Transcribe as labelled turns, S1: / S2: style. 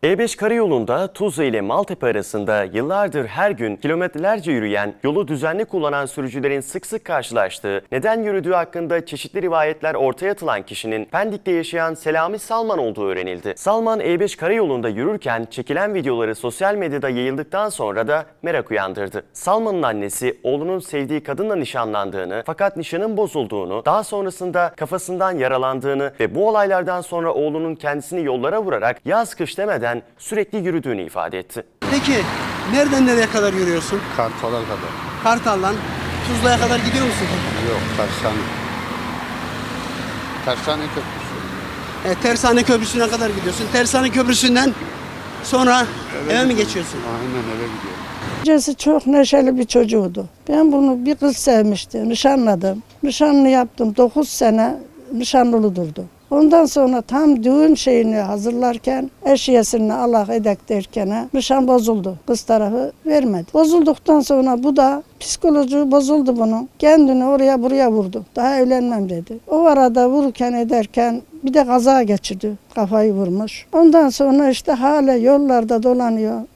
S1: E5 karayolunda Tuzla ile Maltepe arasında yıllardır her gün kilometrelerce yürüyen, yolu düzenli kullanan sürücülerin sık sık karşılaştığı, neden yürüdüğü hakkında çeşitli rivayetler ortaya atılan kişinin Pendik'te yaşayan Selami Salman olduğu öğrenildi. Salman E5 karayolunda yürürken çekilen videoları sosyal medyada yayıldıktan sonra da merak uyandırdı. Salman'ın annesi oğlunun sevdiği kadınla nişanlandığını fakat nişanın bozulduğunu, daha sonrasında kafasından yaralandığını ve bu olaylardan sonra oğlunun kendisini yollara vurarak yaz kış demeden sürekli yürüdüğünü ifade etti.
S2: Peki nereden nereye kadar yürüyorsun?
S3: Kartal'a kadar.
S2: Kartal'dan Tuzla'ya kadar gidiyor musun?
S3: Yok, Tersane. Tersane Köprüsü.
S2: Tersane Köprüsü'ne kadar gidiyorsun. Tersane Köprüsü'nden sonra eve mi geçiyorsun?
S3: Aynen eve gidiyorum.
S4: Öncesi çok neşeli bir çocuğuydu. Ben bunu bir kız sevmiştim, nişanladım. Nişanlı yaptım, 9 sene nişanlılı durdu. Ondan sonra tam düğün şeyini hazırlarken eşiyesini Allah edek derken nişan bozuldu. Kız tarafı vermedi. Bozulduktan sonra bu da psikoloji bozuldu bunun. Kendini oraya buraya vurdu. Daha evlenmem dedi. O arada vururken ederken bir de kaza geçirdi. Kafayı vurmuş. Ondan sonra işte hala yollarda dolanıyor.